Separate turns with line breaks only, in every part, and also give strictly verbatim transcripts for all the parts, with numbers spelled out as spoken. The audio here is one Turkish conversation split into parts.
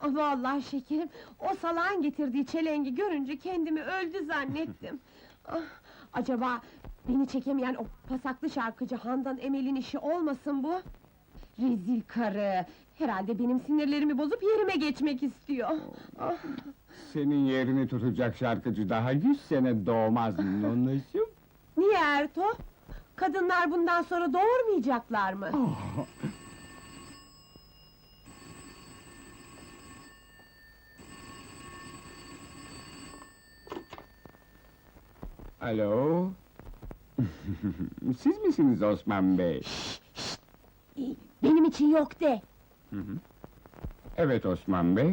Vallahi şekerim, o salağın getirdiği çelengi görünce kendimi öldü zannettim. Ah, acaba beni çekemeyen o pasaklı şarkıcı Handan Emel'in işi olmasın bu? Rezil karı! Herhalde benim sinirlerimi bozup yerime geçmek istiyor. Ah.
Senin yerini tutacak şarkıcı daha yüz sene doğmaz nonuşum.
Niye Erto? Kadınlar bundan sonra doğurmayacaklar mı?
Oh. Alo? Siz misiniz Osman Bey?
Benim için yok de!
Hı hı. Evet Osman Bey.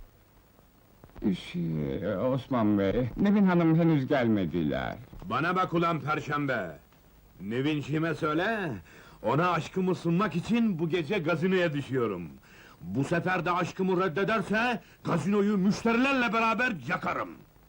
Şey, Osman Bey, Nevin Hanım henüz gelmediler.
Bana bak ulan Perşembe! Nevinciğime söyle, ona aşkımı sunmak için bu gece gazinoya düşüyorum. Bu sefer de aşkımı reddederse, gazinoyu müşterilerle beraber yakarım!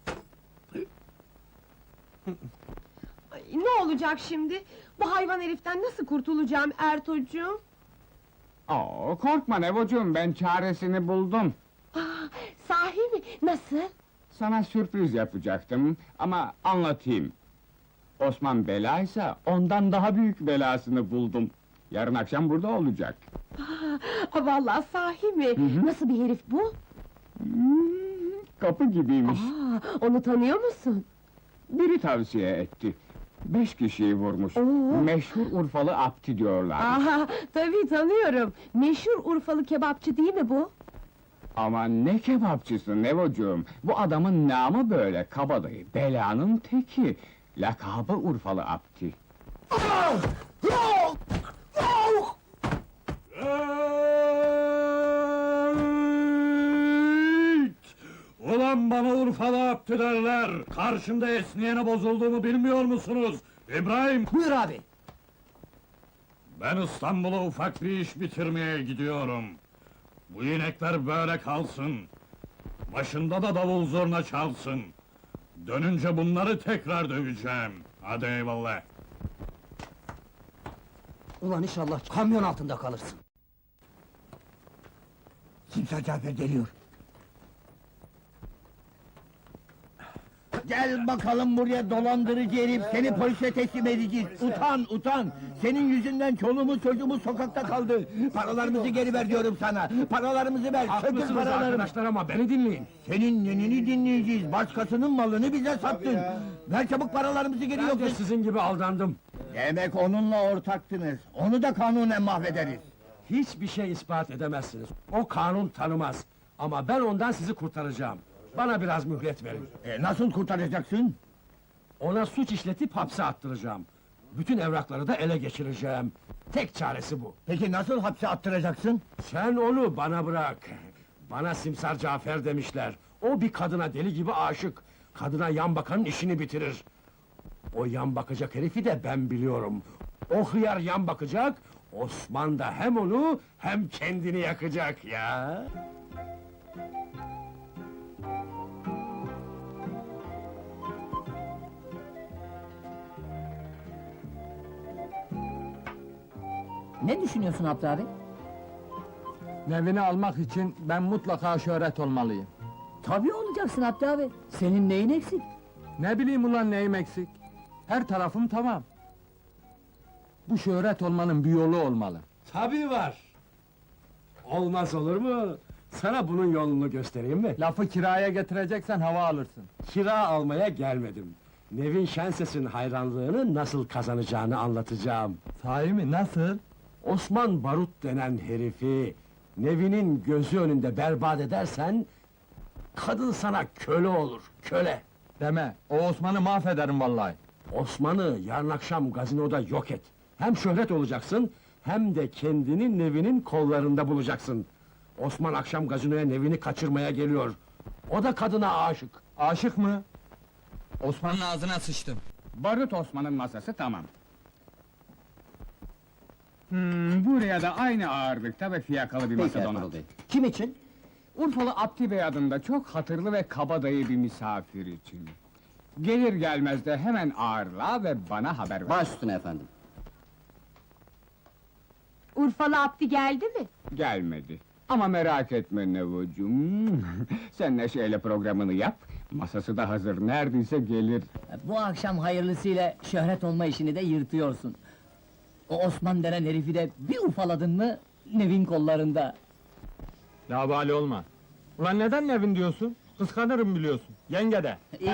Ay, ne olacak şimdi? Bu hayvan heriften nasıl kurtulacağım Ertocuğum?
Oo, korkma Nevocuğum, ben çaresini buldum.
Aa, sahi mi? Nasıl?
Sana sürpriz yapacaktım ama anlatayım. Osman belaysa ondan daha büyük belasını buldum. Yarın akşam burada olacak.
Aa, vallahi sahi mi?
hı.
Nasıl bir herif bu?
Hmm, kapı gibiymiş.
Aa, onu tanıyor musun?
Biri tavsiye etti. Beş kişiyi vurmuş.
Oo.
Meşhur Urfalı Abdi diyorlar.
Aha, tabii tanıyorum. Meşhur Urfalı kebapçı değil mi bu?
Ama ne kebapçısı Nevocuğum? Bu adamın namı böyle kabadayı, belanın teki. Lakabı Urfalı Abdi.
Ulan bana Urfalı Abdi derler! Karşımda esniyene bozulduğumu bilmiyor musunuz? İbrahim!
Buyur abi!
Ben İstanbul'a ufak bir iş bitirmeye gidiyorum. Bu inekler böyle kalsın. Başında da davul zurna çalsın. Dönünce bunları tekrar döveceğim. Hadi eyvallah!
Ulan inşallah kamyon altında kalırsın! Simsar Cafer geliyor!
Gel bakalım buraya dolandırıcı herif, seni polise teslim edeceğiz! Utan, utan! Senin yüzünden çoluğumuz çocuğumuz sokakta kaldı! Paralarımızı geri ver diyorum sana! Paralarımızı ver, sökül
Haklısınız
paralarımı!
arkadaşlar ama beni dinleyin!
Senin nenini dinleyeceğiz, başkasının malını bize sattın! Ver çabuk paralarımızı geri
Ben
yok!
de sizin gibi aldandım!
Demek onunla ortaktınız, onu da kanunen mahvederiz!
Hiçbir şey ispat edemezsiniz. O kanun tanımaz. Ama ben ondan sizi kurtaracağım. Bana biraz mühlet verin.
E, nasıl kurtaracaksın?
Ona suç işletip hapse attıracağım. Bütün evrakları da ele geçireceğim. Tek çaresi bu.
Peki nasıl hapse attıracaksın?
Sen onu bana bırak. Bana Simsar Cafer demişler. O bir kadına deli gibi aşık. Kadına yan bakanın işini bitirir. O yan bakacak herifi de ben biliyorum. O hıyar yan bakacak, Osman da hem onu hem kendini yakacak ya.
Ne düşünüyorsun Abdi abi?
Nevini almak için ben mutlaka şöhret olmalıyım.
Tabii olacaksın Abdi abi! Senin neyin eksik?
Ne bileyim ulan neyim eksik? Her tarafım tamam. Bu şöhret olmanın bir yolu olmalı.
Tabii var. Olmaz olur mu? Sana bunun yolunu göstereyim mi?
Lafı kiraya getireceksen hava alırsın.
Kira almaya gelmedim. Nevin Şenses'in hayranlığını nasıl kazanacağını anlatacağım.
Sahi mi, nasıl?
Osman Barut denen herifi, Nevin'in gözü önünde berbat edersen, kadın sana köle olur, köle!
Deme, o Osman'ı mahvederim vallahi.
Osman'ı yarın akşam gazinoda yok et. Hem şöhret olacaksın, hem de kendini Nevin'in kollarında bulacaksın. Osman akşam gazinoya Nevin'i kaçırmaya geliyor. O da kadına aşık.
Aşık mı? Osman'ın ağzına sıçtım.
Barut Osman'ın masası tamam. Hmm, buraya da aynı ağırlıkta ve fiyakalı bir masa donat.
Kim için?
Urfalı Abdi Bey adında çok hatırlı ve kabadayı bir misafir için. Gelir gelmez de hemen ağırla ve bana haber ver.
Baş üstüne efendim.
Urfalı Abdi geldi mi?
Gelmedi. Ama merak etme Nevocuğum. Sen Neşe'yle programını yap, masası da hazır, neredeyse gelir.
Bu akşam hayırlısıyla şöhret olma işini de yırtıyorsun. O Osman denen herifi de bir ufaladın mı, Nevin kollarında.
Labali olma. Ulan neden Nevin diyorsun? Kıskanırım biliyorsun. Yenge de.
İyi.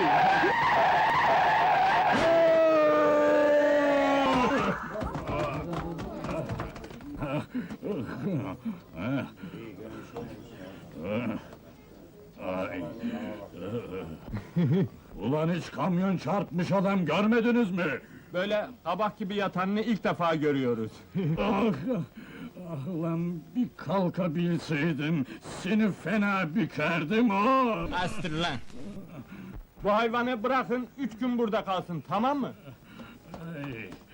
Ulan hiç kamyon çarpmış adam görmediniz mi?
Böyle kabak gibi yatanını ilk defa görüyoruz.
Ah, ah ulan bir kalkabilseydim, seni fena bükerdim o!
Astır lan! Bu hayvanı bırakın, üç gün burada kalsın, tamam mı?
Ay,